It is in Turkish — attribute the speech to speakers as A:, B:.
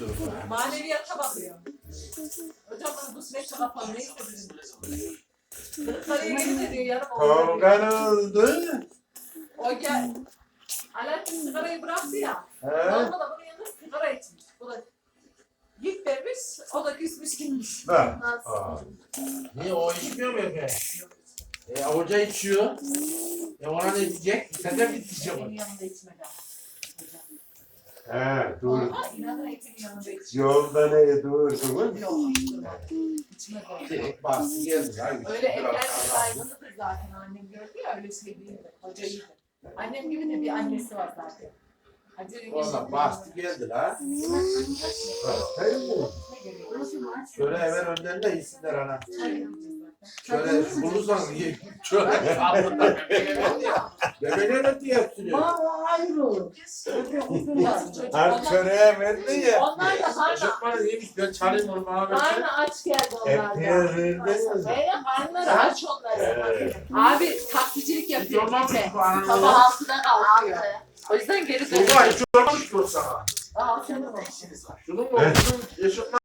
A: Maneviyata bakıyor. Hocam bana bu sinek kapan neyse bizim. Kırıklarıya gelince diyor yarım oldu.
B: Kavgan oldu.
A: O gel. Alaaddin sigarayı bıraktı ya.
B: He?
A: Olma da bunun yanında sigara içmiş. Bu da git demiş, o da küsmüş gitmiş.
B: Bak.
C: Niye o içmiyor mu Efe? Hoca içiyor. Ona ne diyecek? Sen de mi içeceksin?
A: Benim yanımda içmedi ama.
B: He, dur.
A: Ama inanın Ekin'in yanında içmedi.
B: Yolda ne durdun?
A: Yok, içmedi o.
C: Direkt bastı geldi.
A: Öyle evler saygılıdır zaten annem gördü ya öyle şey değildi. Hoca iyiydi. Annem gibi de bir annesi var zaten.
C: Valla bastı geldi la.
B: Hayır mı?
C: Şöyle hemen önden de iyisinler ana. Şöyle bulursan şöyle sağlıkta bebeler diye yaptırıyor.
D: Hayır olur.
B: Her çöreğe verdi ya.
A: Onlar da karnı,
C: Çocuklar iyiymiş ben çalayım onu bana versin.
A: karnı aç geldi
B: Hep
A: onlar da.
B: yerinde mi?
A: Böyle karnları aç onları. Abi taksicilik yapıyor.
C: Yormam
A: Gitme.
C: bu ananı.
A: Sabah 6'da kalkıyor. O yüzden geri
C: Baba
A: dönüyor.
C: hiç yormamış mı sana?
A: Aa, senin o.
C: Şunun mu? Şunun eşofman